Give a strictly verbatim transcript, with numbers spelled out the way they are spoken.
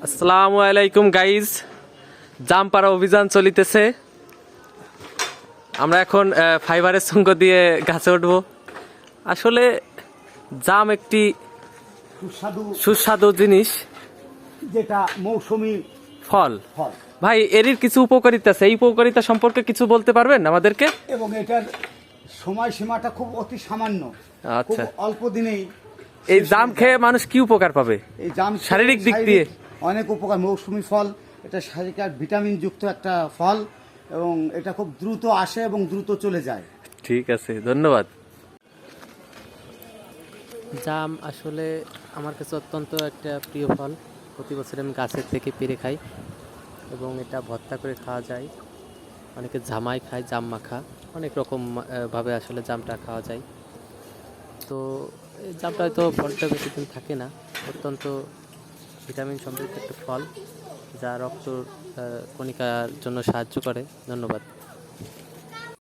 আসসালামু আলাইকুম গাইজ, জাম পাড়া অভিযান চলিতেছে। আমরা এখন ফাইবারের সঙ্গ দিয়ে গাছে উঠবো। আসলে জাম একটি সুস্বাদু সুস্বাদু জিনিস, যেটা মৌসুমী ফল। ফল ভাই, এর কিছু উপকারিতা আছে, এই উপকারিতা সম্পর্কে কিছু বলতে পারবেন আমাদেরকে? এবং এটার সময়সীমাটা খুব অতি সামান্য, খুব আচ্ছা, অল্প দিনেই এই শেষ জাম হয়ে খেয়ে যায়। মানুষ কি উপকার পাবে? এই জাম খেয়ে শারীরিক দিক শারীরিক দিয়ে অনেক উপকার। মৌসুমী ফল, এটা শারীরিক আর ভিটামিন যুক্ত একটা ফল, এবং এটা খুব দ্রুত আসে এবং দ্রুত চলে যায়। ঠিক আছে, ধন্যবাদ। জাম আসলে আমার কাছে অত্যন্ত একটা প্রিয় ফল। প্রতি বছর আমি গাছের থেকে পেড়ে খাই এবং এটা ভর্তা করে খাওয়া যায়। অনেকে জামাই খায়, জাম মাখা, অনেক রকম আহ, ভাবে আসলে জামটা খাওয়া যায়। তো এই জামটা হয়তো ফলটা বেশি দিন থাকে না। অত্যন্ত ভিটামিন সমৃদ্ধ একটা ফল, যা রক্ত আহ, কণিকার জন্য সাহায্য করে। ধন্যবাদ।